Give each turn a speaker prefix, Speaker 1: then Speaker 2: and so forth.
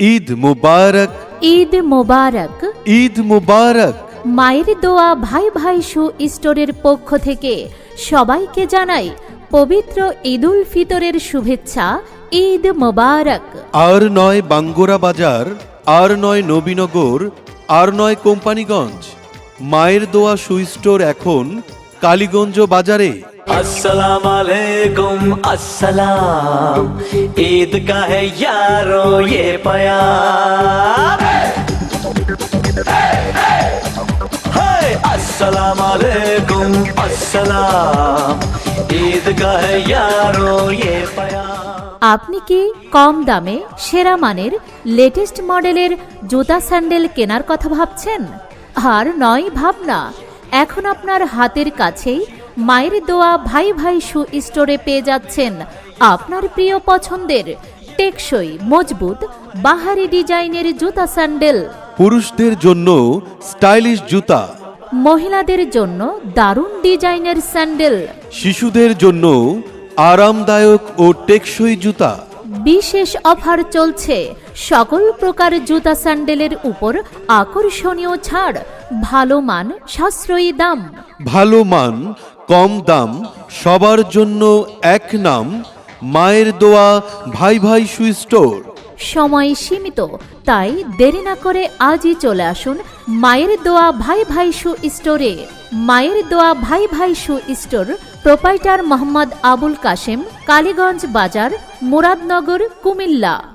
Speaker 1: ঈদ মুবারক,
Speaker 2: ঈদ মোবারক।
Speaker 1: ঈদ মুবারক।
Speaker 2: মায়ের দোয়া ভাই ভাই শু স্টোরের পক্ষ থেকে সবাইকে জানাই পবিত্র ঈদুল ফিতরের শুভেচ্ছা। ঈদ মোবারক।
Speaker 1: আর নয় বাঙ্গুরা বাজার, আর নয় নবীনগর, আর নয় কোম্পানিগঞ্জ। মায়ের দোয়া শু স্টোর এখন কালীগঞ্জ বাজারে।
Speaker 3: अस्सलाम वालेकुम अस्सलाम, ईद का है यारो ये प्यार। हाय अस्सलाम वालेकुम अस्सलाम, ईद का है यारो ये प्यार।
Speaker 2: আপনি কি কম দামে সেরা মানের লেটেস্ট মডেলের জুতা স্যান্ডেল কেনার কথা ভাবছেন? আর নয় ভাবনা, এখন আপনার হাতের কাছেই মায়ের দোয়া ভাই ভাই শু স্টোরে পেয়ে যাচ্ছেন আপনার প্রিয় পছন্দের টেকসই মজবুত বাহারি ডিজাইনের জুতা স্যান্ডেল।
Speaker 1: পুরুষদের জন্য স্টাইলিশ জুতা,
Speaker 2: মহিলাদের জন্য দারুণ ডিজাইনের স্যান্ডেল,
Speaker 1: শিশুদের জন্য আরামদায়ক ও টেকসই জুতা।
Speaker 2: বিশেষ অফার চলছে সকল প্রকার জুতা স্যান্ডেলের উপর আকর্ষণীয় ছাড়, ভালো মান সাশ্রয়ী দাম।
Speaker 1: ভালো মান কম দাম সবার জন্য এক নাম, মায়ের দোয়া ভাই ভাই শু স্টোর।
Speaker 2: সময় সীমিত, তাই দেরি না করে আজই চলে আসুন মায়ের দোয়া ভাই ভাই শু স্টোরে। মায়ের দোয়া ভাই ভাই shoe store, proprietor Mohammad Abul Kashem, Kaliganj Bazar, Muradnagar, Comilla.